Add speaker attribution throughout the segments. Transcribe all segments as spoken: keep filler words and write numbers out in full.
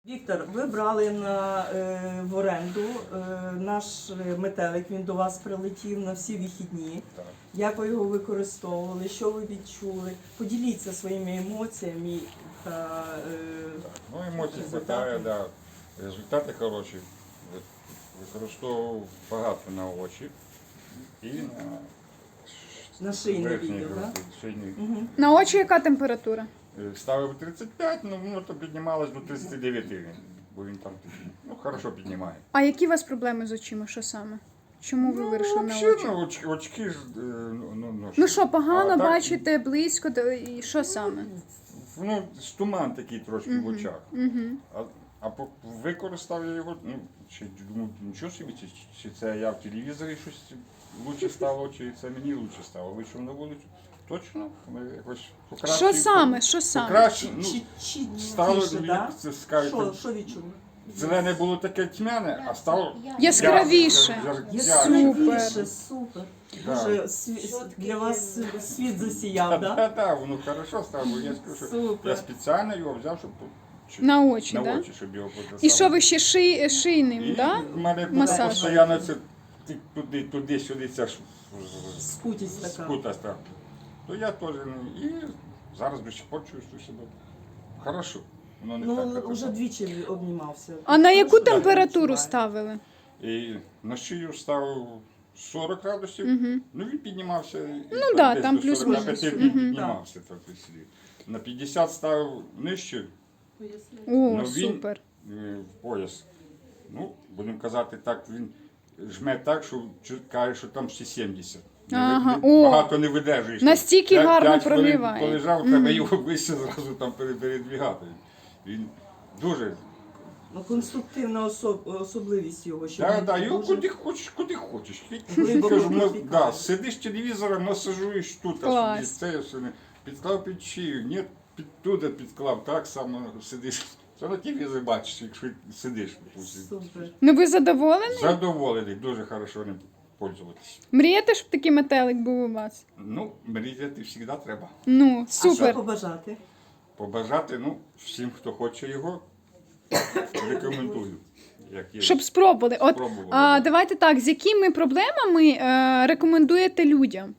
Speaker 1: Віктор, ви брали на, е, в оренду е, наш метелик, він до вас прилетів на всі вихідні.
Speaker 2: Так.
Speaker 1: Як ви його використовували, що ви відчули? Поділіться своїми емоціями та е,
Speaker 2: Ну, емоцій
Speaker 1: результати.
Speaker 2: хватає, да. Результати хороші. Ви- Використовував багато на очі і на,
Speaker 1: На шийний
Speaker 2: верхній
Speaker 1: відділ,
Speaker 2: груди,
Speaker 1: так?
Speaker 2: шийний.
Speaker 1: Угу.
Speaker 3: На очі яка температура?
Speaker 2: Е, Ставив тридцять п'ять, ну воно то піднімалось до тридцяти дев'яти, бо він там такий, ну, хорошо піднімає.
Speaker 3: А які у вас проблеми з очима? Що саме? Чому ви вирішили на
Speaker 2: взагалі,
Speaker 3: очі?
Speaker 2: ну, очки, очки ж, е, ну, ну, ну,
Speaker 3: Ну що, погано
Speaker 2: а так,
Speaker 3: бачите, близько, то і що саме?
Speaker 2: Ну, з туман такий трошки в очах.
Speaker 3: Угу.
Speaker 2: А, а по- використав я його, ну, чи думаю, нічого собі, чи, чи це я в телевізорі щось лучше стало, чи це мені лучше стало. Вийшов на вулицю. Точно, ми якось покращив.
Speaker 3: Що саме? Що саме?
Speaker 2: Покращив, ну,
Speaker 1: Чи, чи,
Speaker 2: стало,
Speaker 1: тише,
Speaker 2: як
Speaker 1: да?
Speaker 2: це скажете,
Speaker 1: Що, що відчули?
Speaker 2: зелене було таке тьмяне, а стало
Speaker 3: Яскравіше.
Speaker 2: яр- яр- ярче.
Speaker 1: Яскравіше, супер.
Speaker 2: Да.
Speaker 1: Дуже сві- для вас світ засіяв,
Speaker 2: Так,
Speaker 1: так?
Speaker 2: так, так, воно хорошо стало, бо я скажу, що
Speaker 1: Супер.
Speaker 2: я спеціально його взяв, щоб щоб-
Speaker 3: На очі,
Speaker 2: на
Speaker 3: да?
Speaker 2: очі, щоб його показати.
Speaker 3: І що ви ще ши... шийним,
Speaker 2: І
Speaker 3: да?
Speaker 2: в мене було
Speaker 3: Масаж.
Speaker 2: постійно це ти- туди, туди, сюди, ця ж
Speaker 1: Скутість така.
Speaker 2: скутаста. То я теж не- і зараз до сих пор чувствую себе хорошо. Воно не так,
Speaker 1: Ну,
Speaker 2: як
Speaker 1: вже
Speaker 2: це.
Speaker 1: двічі обнімався.
Speaker 3: А на яку
Speaker 1: Хорошо,
Speaker 3: температуру
Speaker 1: відчуваю.
Speaker 3: ставили?
Speaker 2: І на шию ставив сорок градусів,
Speaker 3: Угу.
Speaker 2: ну він піднімався.
Speaker 3: Ну да, там
Speaker 2: до
Speaker 3: плюс-мінус.
Speaker 2: сорока п'яти
Speaker 3: Мгм.
Speaker 2: піднімався. Так, якщо. На п'ятдесят ставив нижче,
Speaker 3: О,
Speaker 2: Ну, він-
Speaker 3: супер.
Speaker 2: е, в пояс. Ну, будемо казати так, він жме так, що чу- каже, що там всі сімдесят. Не ви-
Speaker 3: Ага,
Speaker 2: не-
Speaker 3: о!
Speaker 2: Багато не видержуєш.
Speaker 3: Настільки
Speaker 2: П'ять-
Speaker 3: гарно
Speaker 2: п'ять хвилин
Speaker 3: прогріває.
Speaker 2: полежав, треба його вище зразу там пере- передвігати. Він дуже.
Speaker 1: Ну, конструктивна особ... особливість його, що
Speaker 2: Так,
Speaker 1: він
Speaker 2: так, його
Speaker 1: дуже-
Speaker 2: куди хочеш, куди хочеш.
Speaker 1: Глибоко
Speaker 2: Кажу, ну,
Speaker 1: проникає.
Speaker 2: да, сидиш телевізором, масажуєш тут, а
Speaker 3: Клас.
Speaker 2: собі це все не підклав під шию, ні, під туди підклав, так само сидиш. Це на телевізорі бачиш, якщо сидиш.
Speaker 1: Супер.
Speaker 3: Ну ви задоволені?
Speaker 2: Задоволений, дуже хорошо ним пользуватися.
Speaker 3: Мрієте, щоб такий метелик був у вас?
Speaker 2: Ну, мріяти завжди треба.
Speaker 3: Ну,
Speaker 1: А що
Speaker 3: супер.
Speaker 1: побажати?
Speaker 2: Побажати, ну, всім, хто хоче його, рекомендую. Як є.
Speaker 3: Щоб спробували. От,
Speaker 2: Спробували,
Speaker 3: а,
Speaker 2: да.
Speaker 3: давайте так, з якими проблемами е, рекомендуєте людям?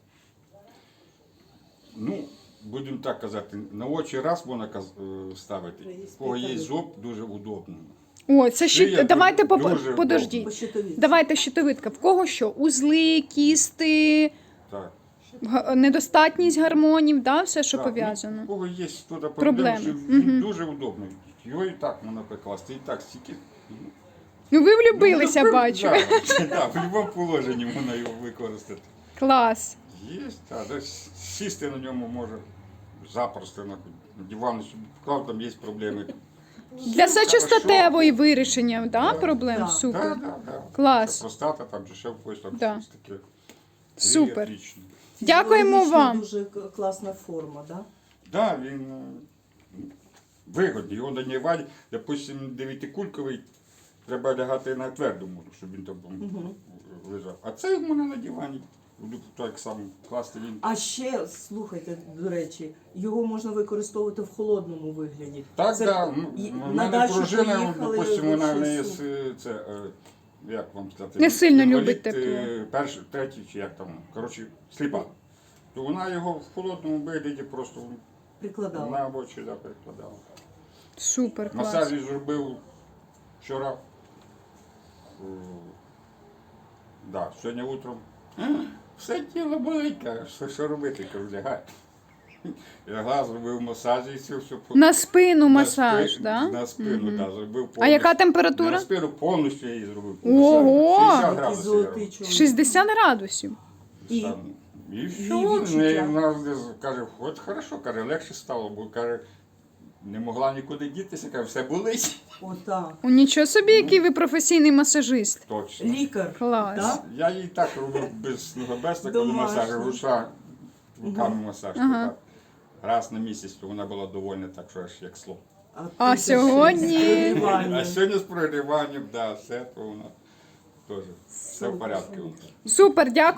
Speaker 2: Ну, будемо так казати, на очі раз можна каз- е, ставити. У кого є зуб, дуже удобно.
Speaker 3: О, це
Speaker 2: Шия
Speaker 3: щит... Давайте
Speaker 2: дуже
Speaker 3: по...
Speaker 2: удобна.
Speaker 3: подождіть.
Speaker 1: По щитовідці.
Speaker 3: Давайте щитовидка. В кого що? Узли, кісти,
Speaker 2: Так.
Speaker 3: г- недостатність гормонів, да? Все, що
Speaker 2: Так, ну,
Speaker 3: пов'язано.
Speaker 2: у кого є туди
Speaker 3: Проблеми.
Speaker 2: проблеми, що він
Speaker 3: Мгм.
Speaker 2: дуже удобний. Його і так можна прикласти, і так стільки.
Speaker 3: Ну ви влюбилися,
Speaker 2: Ну,
Speaker 3: бачу.
Speaker 2: Так, да, в будь-якому положенні можна його використати.
Speaker 3: Клас.
Speaker 2: Є, так, да, сісти на ньому може запросто на диван, щоб вклав, там є проблеми.
Speaker 3: Для сечостатевої вирішення, да, проблем?
Speaker 1: Да.
Speaker 3: Супер.
Speaker 2: Так, так, так.
Speaker 3: Клас.
Speaker 2: Простата, там же ще в там
Speaker 3: Да.
Speaker 2: щось таке.
Speaker 3: Супер.
Speaker 2: Отлично.
Speaker 3: Дякуємо
Speaker 1: Фізіологічно
Speaker 3: вам.
Speaker 1: Дуже к- класна форма, так?
Speaker 2: Да, він е, вигодний. Його на дивані, допустим, дев'ятикульковий, треба лягати на твердому, щоб він там
Speaker 1: Мгм.
Speaker 2: лежав. А це можна на дивані. Так само класти він.
Speaker 1: А ще, слухайте, до речі, його можна використовувати в холодному вигляді.
Speaker 2: Так,
Speaker 1: Це
Speaker 2: так.
Speaker 1: і
Speaker 2: У
Speaker 1: на
Speaker 2: мене
Speaker 1: дачу
Speaker 2: дружина,
Speaker 1: поїхали,
Speaker 2: допустим, вона
Speaker 1: щось
Speaker 2: не є
Speaker 1: супер.
Speaker 2: с- це, е, як вам сказати,
Speaker 3: Не сильно
Speaker 2: інвалід,
Speaker 3: любить тепло.
Speaker 2: е, Перший, третій, чи як там, коротше, сліпа. То вона його в холодному вигляді просто
Speaker 1: Прикладала.
Speaker 2: на очі да, прикладала.
Speaker 3: Супер, клас.
Speaker 2: Масаж зробив вчора. Е, Да, сьогодні утром. Все тіло болить, каже, що, що робити, кажу, лягай. Лягла, зробив масаж і все, все.
Speaker 3: На спину
Speaker 2: На
Speaker 3: масаж,
Speaker 2: спи-
Speaker 3: да?
Speaker 2: На спину,
Speaker 3: Мгм.
Speaker 2: да, зробив повністю.
Speaker 3: А яка
Speaker 2: На
Speaker 3: температура?
Speaker 2: спину повністю я її зробив.
Speaker 3: Ого!
Speaker 2: шістдесят
Speaker 1: Такий
Speaker 2: градусів. я
Speaker 1: золотий
Speaker 2: робив.
Speaker 1: чоловік.
Speaker 3: шістдесят градусів.
Speaker 1: І-
Speaker 2: Там. І
Speaker 1: і
Speaker 2: все,
Speaker 1: відчуття.
Speaker 2: не, вона каже, от хорошо, каже, легше стало, бо каже, не могла нікуди дітися, каже, все болить.
Speaker 1: Отак.
Speaker 3: О, нічого собі, який ви професійний масажист.
Speaker 2: Точно.
Speaker 1: Лікар.
Speaker 3: Клас.
Speaker 1: Так?
Speaker 2: Я їй так робив без ногобеста, коли
Speaker 1: Домашній.
Speaker 2: масаж, руша, руками масаж. то
Speaker 3: Ага.
Speaker 2: так. Раз на місяць, то вона була довольна, так що аж як слов.
Speaker 3: А
Speaker 1: ти ще
Speaker 3: сьогодні?
Speaker 1: з прогріванням.
Speaker 2: А сьогодні з прогріванням, да, все, то вона теж все в порядку.
Speaker 3: Супер, дякую.